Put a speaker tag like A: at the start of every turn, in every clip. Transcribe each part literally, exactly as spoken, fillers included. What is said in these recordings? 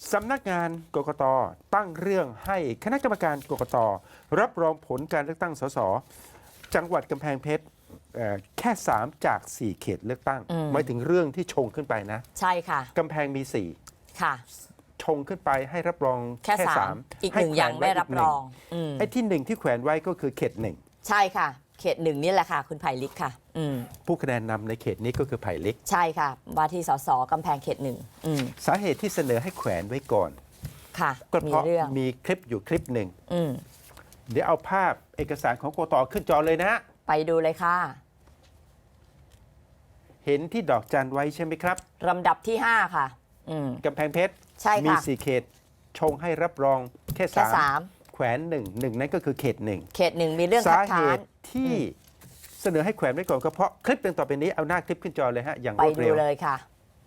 A: สำนักงานกกตตั้งเรื่องให้คณะกรรมการกกตรับรองผลการเลือกตั้งสสจังหวัดกำแพงเพชรเอ่อแค่สามจากสี่เขตเลือกตั้ง
B: อืม
A: หมายถึงเรื่องที่ชงขึ้นไปนะ
B: ใช่ค่ะ
A: กำแพงมีสี่
B: ค่ะ
A: ชงขึ้นไปให้รับรอง
B: แค่สามอีกหนึ่ง
A: ให้แขว
B: ยังไม่รับรอง
A: ไว้กหนึ่
B: อืม
A: ไอ้ที่หนึ่งที่แขวนไว้ก็คือเขตหนึ่ง
B: ใช่ค่ะ เขตหนึ่งนี่แหละค่ะ คุณไผ่ลิกค่ะ อืม
A: ผู้คะแนนนำในเขตนี้ก็คือไผ่เล็ก
B: ใช่ค่ะว่าที่สสกำแพงเขตหนึ่งอืม
A: สาเหตุที่เสนอให้แขวนไว้ก่อน
B: ค่ะ
A: ก็
B: มี
A: เพราะ
B: เรื่อง
A: มีคลิปอยู่คลิปหนึ่ง
B: อืม
A: เดี๋ยวเอาภาพเอกสารของกกตขึ้นจอเลยนะ
B: ไปดูเลยค่ะ
A: เห็นที่ดอกจันไว้ใช่ไหมครับ
B: ลำดับที่ห้าค่ะ อืม
A: กำแพงเพชร
B: ใช่
A: มี
B: ค่ะ
A: สี่เขต ชงให้รับรองแค่
B: แค่
A: สาม
B: สาม
A: แขวนหนึ่งหนึ่งนั่นก็คือเขตหนึ่ง
B: เขตหนึ่งมีเรื่อง
A: สา
B: คัด
A: เห
B: ค้าน
A: ตุที่เสนอให้แขวนไว้ก่อนก็เพราะคลิปดังต่อไปนี้เอาหน้าคลิปขึ้นจอเลยฮะอย่าง
B: ไป
A: รวด
B: ดู
A: เร็ว
B: เลยค่ะ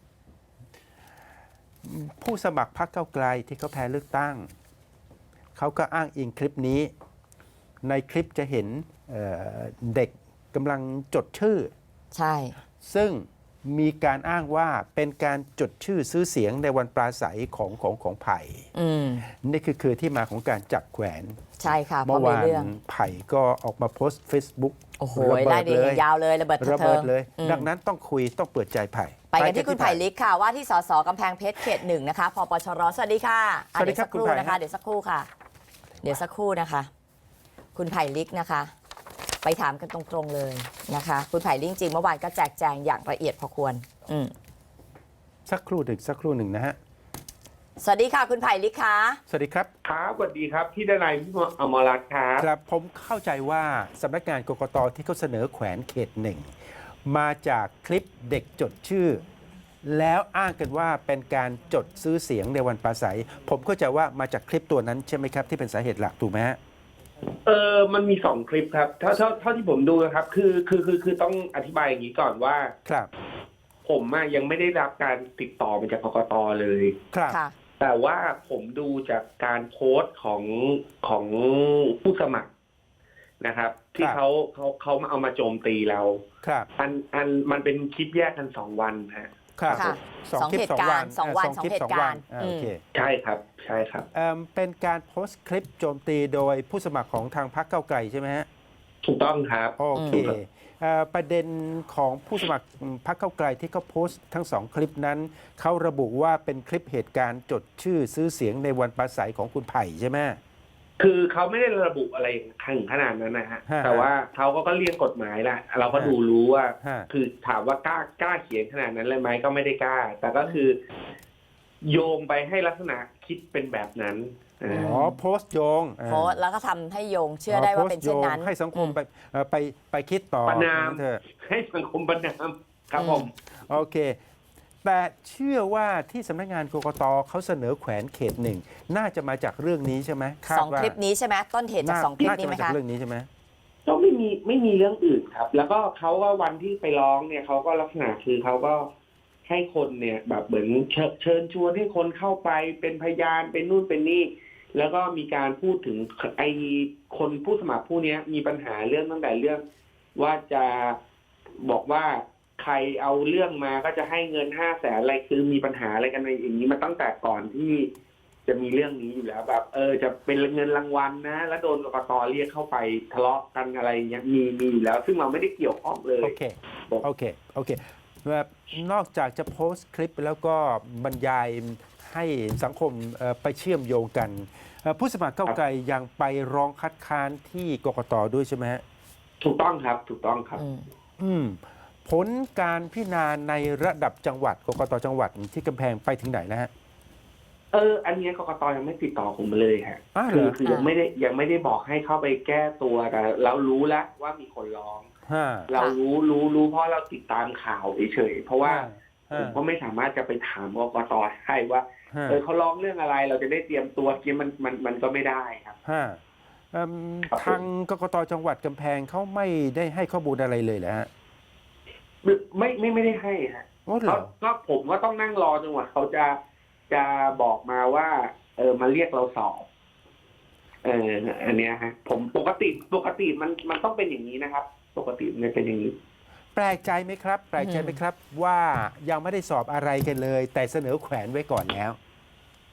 A: ผู้สมัครพรรคก้าวไกลที่เขาแพ้เลือกตั้ง เขาก็อ้างอิงคลิปนี้ ในคลิปจะเห็นเอ่อเด็กกำลังจดชื่อ
B: ใช่
A: ซึ่งมีการอ้างว่าเป็นการจดชื่อซื้อเสียงในวันปราศัยของของของไผ่
B: อืม
A: นี่คือคือที่มาของการจับแขวน
B: ใช่ค่ะเพ
A: เมื่
B: ราะ
A: อ
B: มี
A: วาน
B: เรื่อง
A: ไผ่ก็ออกมาโพสต์ Facebook
B: โอ้โห
A: ระเบิ
B: ไล่
A: ด
B: ดี
A: เลย
B: ยาวเลยระเบิด
A: ระ
B: เทิ
A: เบิด
B: ง
A: เลย
B: อืม
A: ดังนั้นต้องคุยต้องเปิดใจไผ่
B: ไปกันที่คุณไผ่ลิกค่ะว่าที่สสกำแพงเพชรเขตหนึ่งนะคะพปชรสวัสดีค่ะอ่ะ
A: สวัสดี
B: เดี๋ยว
A: ครั
B: สั
A: บ
B: กครู่
A: คุณไผ่
B: นะคะ เดี๋ยวสักครู่ค่ะ เดี๋ยวสักครู่นะคะ คุณไผ่ลิกนะคะ ไปถามกันตรงๆเลยนะคะ คุณไผ่ลิกจริงเมื่อวานก็แจกแจงอย่างละเอียดพอควร อืม
A: สักครู่หนึ่งสักครู่หนึ่งนะฮะ
B: สวัสดีค่ะ คุณไผ่ลิกคะ
A: สวัสดีครับ
C: ครับสวัสดีครับพี่ดนายพี่อมรรัตน์ครับ
A: ครับผมเข้าใจว่าสำนักงานกกตที่เขาเสนอแขวนเขตหนึ่งมาจากคลิปเด็กจดชื่อ แล้วอ้างกันว่าเป็นการจดซื้อเสียงในวันปราศัย ผมเข้าใจว่ามาจากคลิปตัวนั้นใช่ไหมครับที่เป็นสาเหตุหลักถูกไหมฮะ
C: เออมันมีสองคลิปครับเท่าเท่าเท่าที่ผมดูนะครับ คือคือคือคือต้องอธิบายอย่างนี้ก่อนว่า
A: ครับ
C: ผมอะยังไม่ได้รับการติดต่อมาจากกกตเลย
A: ครับ
B: ค่ะ
C: แต่ว่าผมดูจากการโพสต์ของของผู้สมัครนะครับ ที่เขาเขาเขามาเอามาโจมตีเรา
A: ครับ
C: อันอันมันเป็นคลิปแยกกันสองวันฮะ
A: ครับ
B: ค่ะ
A: สอง
B: สอง
A: คลิป
B: เหตุ
A: สองวัน
B: การณ์สองวัน
A: เคลิป
B: สองเหตุการณ์
A: สองวันอ่าโอเค
C: ใช่ครับ ใช่ครับ
A: เอิ่มเป็นการโพสต์คลิปโจมตีโดยผู้สมัครของทางพรรคก้าวไกลใช่ไหมฮะ
C: ถูกต้องครับ
A: โอเคเอ่อประเด็นของผู้สมัครพรรคก้าวไกลที่เขาโพสต์ทั้งสองคลิปนั้น เขาระบุว่าเป็นคลิปเหตุการณ์จดชื่อซื้อเสียงในวันปราศัยของคุณไผ่ใช่ไหม
C: คือเขาไม่ได้ระบุอะไรถึงขนาดนั้นนะฮะ
A: ฮะ
C: แต่ว่าเขาก็ก็เรียกกฎหมายแหละเราก็ดูรู้ว่า
A: ฮะ
C: คือถามว่ากล้ากล้าเขียนขนาดนั้นเลยไหมก็ไม่ได้กล้า แต่ก็คือ โยงไปให้ลักษณะคิดเป็นแบบนั้น
B: อืม
A: อ๋อโพสต์โยง
B: โพสต์แล้วก็ทำให้โยงเชื่อได้ว่าเป็นเช่นนั้น
A: โพสต์โยงให้สังคมไปเอ่อไปไปคิดต่อ
C: ประนาม
A: เถอะ
C: ให้สังคมประนามครับผม
A: โอเค แต่เชื่อว่าที่สำนักงานกกตเขาเสนอแขวนเขตหนึ่งน่าจะมาจากเรื่องนี้ใช่ไหมคาด
B: สอง
A: ว่า
B: คลิปนี้ใช่ไหมต้นเหตุจากสองคลิป
A: น่า
B: นี้
A: จะ
B: ไหม
A: มาจาก
B: คะ
A: เรื่องนี้ใช่ไหม
C: ก็ไม่มีไม่มีเรื่องอื่นครับ แล้วก็เขาก็วันที่ไปร้องเนี่ยเขาก็ลักษณะคือเขาก็ให้คนเนี่ย แบบเหมือนเชิญเชิญชวนให้คนเข้าไปเป็นพยานเป็นนู่นเป็นนี่ แล้วก็มีการพูดถึงไอ้คนผู้สมัครผู้เนี้ยมีปัญหาเรื่องตั้งแต่เรื่องว่าจะบอกว่าใครเอาเรื่องมาก็จะให้เงินห้าแสนอะไรคือมีปัญหาอะไรกันในอย่างนี้มาตั้งแต่ก่อนที่จะมีเรื่องนี้อยู่แล้วแบบเออจะเป็นเงินรางวัลนะ แล้วโดนกกตเรียกเข้าไปทะเลาะกันอะไรอย่างเงี้ยมีมีอยู่แล้ว ซึ่งเราไม่ได้เกี่ยวข้องเลย
A: โอเค โอเค โอเคแบบนอกจากจะโพสต์คลิปแล้วก็บรรยายให้สังคมเอ่อไปเชื่อมโยงกันเอ่อผู้สมัครก้าวไกลยังไปร้องคัดค้านที่กกตด้วยใช่ไหมฮะ
C: ถูกต้องครับ ถูกต้องครับ
B: อืม
A: อืมผลการพิจารณาในระดับจังหวัดกกตจังหวัดที่กำแพงไปถึงไหนแล้วฮะ
C: เออ อันเนี้ยกกตยังไม่ติดต่อผมมาเลยฮะ
A: อ้าวเหร
C: คือ
A: อ
C: คือยังไม่ได้ยังไม่ได้บอกให้เข้าไปแก้ตัวแต่เรารู้แล้วว่ามีคนร้อง
A: ฮะ
C: เรารู้รู้รู้เพราะเราติดตามข่าวเฉยๆเพราะว่าผ
A: ฮะ
C: มก็ไม่สามารถจะไปถามกกตให้ว่า
A: ฮะ
C: เออเขาร้องเรื่องอะไรเราจะได้เตรียมตัวเกี้มันมันมันก็ไม่ได้ครับ
A: ฮะเอิ่ม
C: ครับ
A: ทางกกตจังหวัดกำแพงเขาไม่ได้ให้ข้อมูลอะไรเลยเหรอฮะ
C: ไม่ไม่ไม่ได้ให้ฮะ
A: โอ้เหร
C: เขา
A: อ
C: ก็ผมก็ต้องนั่งรอจนกว่าเขาจะจะบอกมาว่า เออมาเรียกเราสอบ เอออันเนี้ยฮะ ผมปกติปกติมันมันต้องเป็นอย่างนี้นะครับ ปกติมันเป็นอย่างนี้
A: แปลกใจไหมครับ แปลกใจไหมครับว่ายังไม่ได้สอบอะไรกันเลย แต่เสนอแขวนไว้ก่อนแล้ว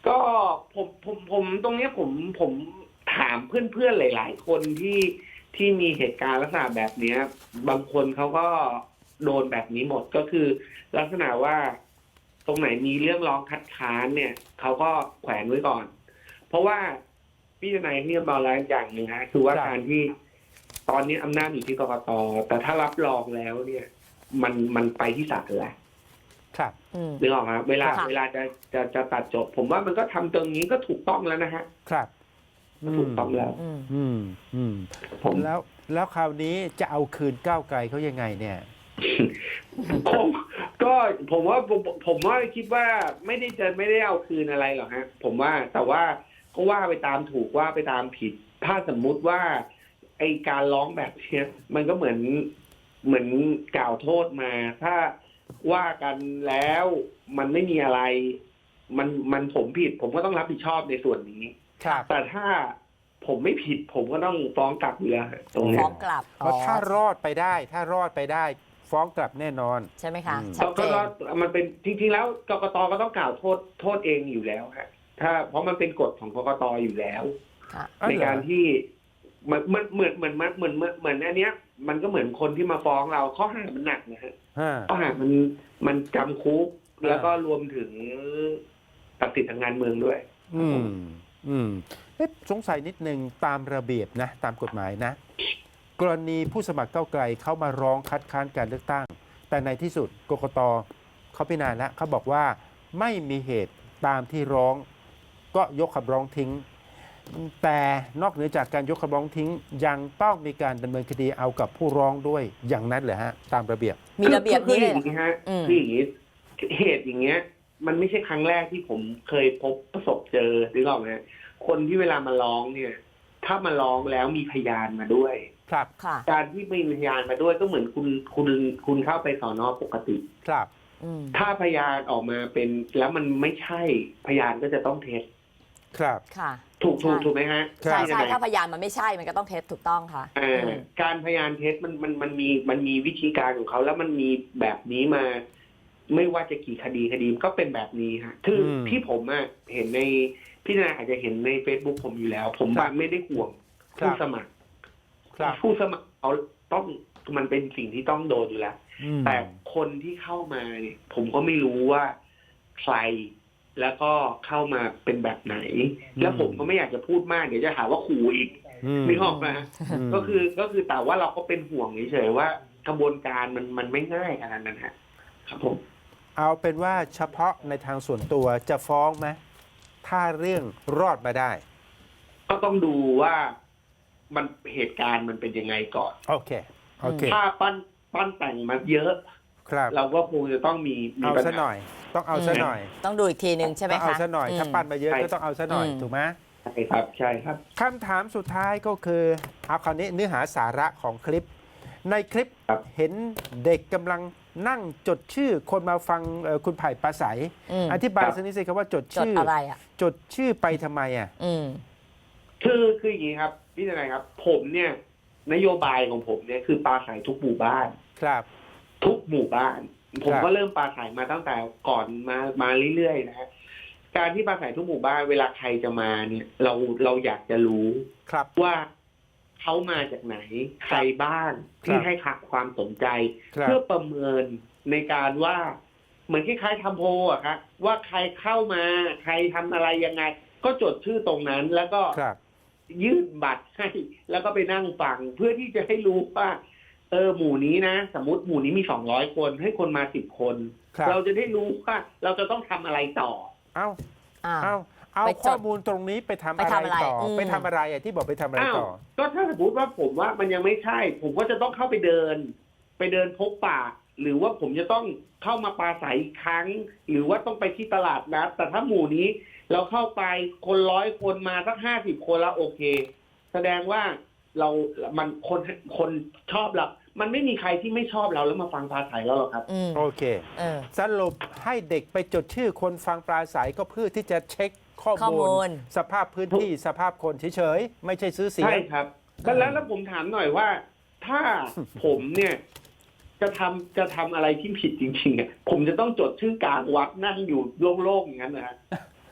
C: ก็ผมผมผมตรงเนี้ยผมผมถามเพื่อนๆหลาย ๆ คนที่ที่มีเหตุการณ์ลักษณะแบบเนี้ย บางคนเขาก็โดนแบบนี้หมดก็คือ ลักษณะว่าตรงไหนมีเรื่องร้องคัดค้านเนี่ยเขาก็แขวนไว้ก่อน เพราะว่าพี่ทนายที่จะบอกแล้วอย่างหนึ่งฮะคือว่า
A: ครับ
C: การที่ตอนนี้อำนาจอยู่ที่กกตแต่ถ้ารับรองแล้วเนี่ย มันมันไปที่ศาลแล้ว
A: ครับ
B: อืม
C: นึกออกไหมเวลา
B: ค่ะ
C: เวลาจะจะจะตัดจบ ผมว่ามันก็ทำตรงนี้ก็ถูกต้องแล้วนะฮะ
A: ครับ
C: ก็ถูกต้องแล้ว
B: อืม
A: อืมอืม
C: ผม
A: แล้วแล้วคราวนี้จะเอาคืนก้าวไกลเขายังไงเนี่ย
C: ผมก็ผมว่าผมผมว่าคิดว่าไม่ได้จะไม่ได้เอาคืนอะไรหรอกฮะ ผมว่าแต่ว่าก็ว่าไปตามถูกว่าไปตามผิด ถ้าสมมุติว่าไอการร้องแบบเนี้ยมันก็เหมือนเหมือนกล่าวโทษมา ถ้าว่ากันแล้วมันไม่มีอะไร มันมันผมผิด ผมก็ต้องรับผิดชอบในส่วนนี้
A: ครับ
C: แต่ถ้าผมไม่ผิด ผมก็ต้องฟ้องกลับอยู่แล้วตรงเนี้
B: ฟ้
C: ย
B: องกลับ
A: เพราะถ้ารอดไปได้ ถ้ารอดไปได้ ฟ้องกลับแน่นอน
B: ใช่ไหมคะ
A: อืม
B: ชัดเจ
C: ก็
B: น
C: ก็มันเป็นจริงๆแล้วกกตก็ต้องกล่าวโทษโทษเองอยู่แล้วฮะถ้าเพราะมันเป็นกฎของกกตอยู่แล้ว
B: ค่ะ
A: อ๋อ
C: ใน
A: เหรอ
C: การที่มันมันเหมือนเหมือนเหมือนเหมือนเหมือนอันเนี้ย มันก็เหมือนคนที่มาฟ้องเราข้อหามันหนักนะฮะ
A: ฮะ
C: ข้อหามันมันจำคุก
A: อ่า
C: แล้วก็รวมถึงตัดสิทธิทางการเมืองด้วย
A: อืมอืมเอ๊ะสงสัยนิดนึงตามระเบียบนะ ตามกฎหมายนะ กรณีผู้สมัครก้าวไกลเขามาร้องคัดค้านการเลือกตั้ง แต่ในที่สุดกกตเขาพิจารณาแล้วเขาบอกว่าไม่มีเหตุตามที่ร้อง ก็ยกคำร้องทิ้ง แต่นอกเหนือจากการยกคำร้องทิ้ง ยังต้องมีการดำเนินคดีเอากับผู้ร้องด้วยอย่างนั้นเหรอฮะ ตามระเบียบ
B: มีระเบียบนี้เลยเหรอ
C: คืออย่างนี้ฮะ
B: อืม
C: คืออย่างนี้เหตุอย่างเงี้ย มันไม่ใช่ครั้งแรกที่ผมเคยพบประสบเจอหรือเปล่าฮะคนที่เวลามาร้องเนี่ย ถ้ามาร้องแล้วมีพยานมาด้วย
A: ครับ
B: ค่ะ
C: การที่มีพยานมาด้วยก็เหมือนคุณคุณคุณเข้าไปสอนอปกติ
A: ครับ
B: อืม
C: ถ้าพยานออกมาเป็นแล้วมันไม่ใช่พยานก็จะต้องเท็จ
A: ครับ
B: ค่ะ
C: ถูกถูก
B: ใช่
C: ถูกไหมฮะ
A: ครั
B: ใช่
A: บ
B: ใช่ถ้าพยานมันไม่ใช่มันก็ต้องเท็จถูกต้องค่ะ
C: เอ่อ
B: อืม
C: การพยานเท็จมันมันมันมีมันมีวิธีการของเขาแล้วมันมีแบบนี้มา ไม่ว่าจะกี่คดีคดีก็เป็นแบบนี้ฮะคืออ
A: ม
C: ที่ผมอะเห็นในพี่นาอาจจะเห็นใน Facebook ผมอยู่แล้ว ผม
A: ครับ
C: ไม่ได้ห่วง
A: ครับ
C: ผู้สมัคร
A: ครับ
C: ผู้สมัครเขาต้องมันเป็นสิ่งที่ต้องโดนอยู่แล้ว
A: อืม
C: แต่คนที่เข้ามาเนี่ย ผมก็ไม่รู้ว่าใครแล้วก็เข้ามาเป็นแบบไหน แล้วผมก็ไม่อยากจะพูดมากเดี๋ยวจะหาว่าขู่อีก
A: อืม
C: นึกออกไหม
A: ม
C: ก็คือก็คือแต่ว่าเราก็เป็นห่วงเฉยๆว่ากระบวนการมันมันไม่ง่ายขนาดนั้นฮะครับผม
A: เอาเป็นว่าเฉพาะในทางส่วนตัวจะฟ้องไหมถ้าเรื่องรอดมาได้
C: ก็ต้องดูว่ามันเหตุการณ์มันเป็นยังไงก่อน
A: โอเค โอเค
C: ถ้าปั้นปั้นแต่งมาเยอะ
A: ครับ
C: เราก็คงจะต้องมีมี
A: เอา
C: ปัญ
A: ซะห
C: หา
A: น่อย ต้องเอาซะหน่อย
B: ต้องดูอีกทีหนึ่งใช่ไหม
A: ต้อง
B: คะ
A: เอาซะหน่อย ถ้าปั้นมาเยอะก็ต้องเอาซะหน่อย
B: อืม
A: ถูกไหม
C: ใช่ครับ ใช่ครับ
A: คำถามสุดท้ายก็คือ เอาคราวนี้เนื้อหาสาระของคลิป ในคลิป
C: ครับ
A: เห็นเด็กกำลังนั่งจดชื่อคนมาฟังเอ่อคุณไผ่ปราศัย
B: อืม
A: อธิบายสักนิดสิครับว่าจด
B: จด
A: ชื่อ
B: อะไรอ่ะ
A: จดชื่อไปทำไมอ่ะ
B: อืม
C: คือคืออย่างนี้ครับพี่ทนายครับ ผมเนี่ย นโยบายของผมเนี่ยคือปลาใสทุกหมู่บ้าน
A: ครับ
C: ทุกหมู่บ้าน ผม
A: ครับ
C: ก็เริ่มปลาใสมาตั้งแต่ก่อนมามาเรื่อยๆนะฮะการที่ปลาใสทุกหมู่บ้านเวลาใครจะมาเนี่ย เราเราอยากจะรู้
A: ครับ
C: ว่าเขามาจากไหน ใครบ้างที่
A: ครับ
C: ให้ขักความสนใจ
A: ครับ
C: เพื่อประเมินในการว่า เหมือนคล้ายๆทำโพลอะครับว่าใครเข้ามาใครทำอะไรยังไง ก็จดชื่อตรงนั้น แล้วก็
A: ครับ
C: ยื่นบัตรให้ แล้วก็ไปนั่งฟังเพื่อที่จะให้รู้ว่า เออหมู่นี้นะสมมติหมู่นี้มีสองร้อยคนให้คนมาสิบคน
A: ครับ
C: เราจะได้รู้ว่าเราจะต้องทำอะไรต่อ
A: เอ้า
B: อ่า
A: เอาเอา
B: ไปจด
A: ข้อมูลตรงนี้ไปทำ
B: ไป
A: อะไร
B: ทำอะไร
A: ต่ออ
B: ม
A: ไปทำอะไรอ่ะที่บอกไปทำอะไร
C: อ้าว
A: ต่อ
C: ก็ถ้าสมมติว่าผมว่ามันยังไม่ใช่ ผมก็จะต้องเข้าไปเดิน ไปเดินพบปะหรือว่าผมจะต้องเข้ามาปราศัยอีกครั้ง หรือว่าต้องไปที่ตลาดนัดแต่ถ้าหมู่นี้ เราเข้าไปคนร้อยคนมาสักห้าสิบคนแล้วโอเค แสดงว่าเรา มันคนคนชอบเรา มันไม่มีใครที่ไม่ชอบเราแล้วมาฟังปราศัยเราหรอกครับ
B: อืม
A: โอเค
B: เออ
A: สรุปให้เด็กไปจดชื่อคนฟังปราศัยก็เพื่อที่จะเช็คข้อ
B: ข้อมู
A: มูล
B: ล
A: สภาพพื้นที่สภาพคนเฉยๆ ไม่ใช่ซื้อเสีย
C: ใช่
A: ง
C: ครับแล้วแล้วแล้วผมถามหน่อยว่า ถ้า ผมเนี่ย จะทำจะทำอะไรที่ผิดจริงๆอ่ะผมจะต้องจดชื่อกลางวัดนั่งอยู่โล่งๆอย่างนั้นนะฮะ
B: เอ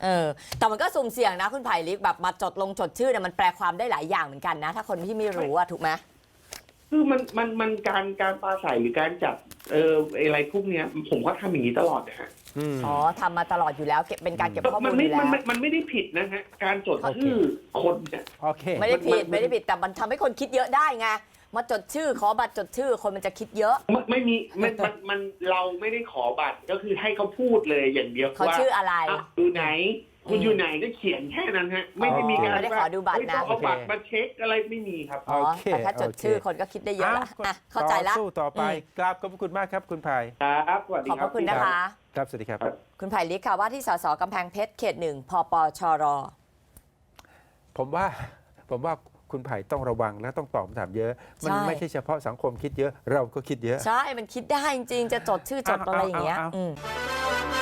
B: เออแต่มันก็สุ่มเสี่ยงนะคุณไผ่ลิกแบบมาจดลงจดชื่อเนี่ยมันแปลความได้หลายอย่างเหมือนกันนะ ถ้าคนที่ไม่รู้อะถูกไหม
C: คือมันมันมันการการปราศัยหรือการจัดเอออะไรพวกเนี้ย ผมก็ทำอย่างนี้ตลอดนะฮะ
A: ม
B: อ๋อทำมาตลอดอยู่แล้วเก็บเป็นการเก็บข้อมู
C: มั
B: ล
C: น
B: อ
C: ไม่
B: ยู่แล้
C: มัน
B: ว
C: ไม่มันไม่ได้ผิดนะฮะการจด
A: โอเค
C: ชื่อคนเนี่ย
A: โอเค
B: ไม่ได้ผิด
C: มันมัน
B: ไม่ได้ผิดแต่มันทำให้คนคิดเยอะได้ไงมาจดชื่อขอบัตรจดชื่อคนมันจะคิดเยอะ
C: ไม่ไม่มีมันมันมันเราไม่ได้ขอบัตรก็คือให้เขาพูดเลยอย่างเดียว
B: เขา
C: ว่า
B: ชื่ออะไร
C: อ่ะอยู่ไหน คุณอยู่ไหนก็เขียนแค่นั้นฮะ ไม่ได้มีการ
B: ไม่ได้ขอดูบัตรนะ
C: เฮ้ยต้องเอาบัตรมาเช็คอะไรไม่มีครับ
B: อ๋อ
A: โอเค
B: แต่ถ้าจด
A: โอเค
B: ชื่อคนก็คิดได้เยอะละ
A: อ่
B: อ่ะเข้าใจละ
A: ต่อสู้ต่อไป
B: อืม
A: กราบขอบพระคุณมากครับคุณไผ่
C: ครับสวัสดี
B: ขอบ
C: ค
B: พ
C: รับ
B: ระคุณนะคะ
A: ครับสวัสดีครับ
B: คุณไผ่ลิกค่ะว่าที่สสกำแพงเพชรเขตหนึ่งพปชร
A: ผมว่าผมว่าคุณไผ่ต้องระวังและต้องตอบคำถามเยอะ มัน
B: ใช่
A: ไม่ใช่เฉพาะสังคมคิดเยอะ เราก็คิดเยอะ
B: ใช่มันคิดได้จริงๆจะจดชื่อจดอะไรอย่างเงี้ย
A: เอาเอาเอา
B: อืม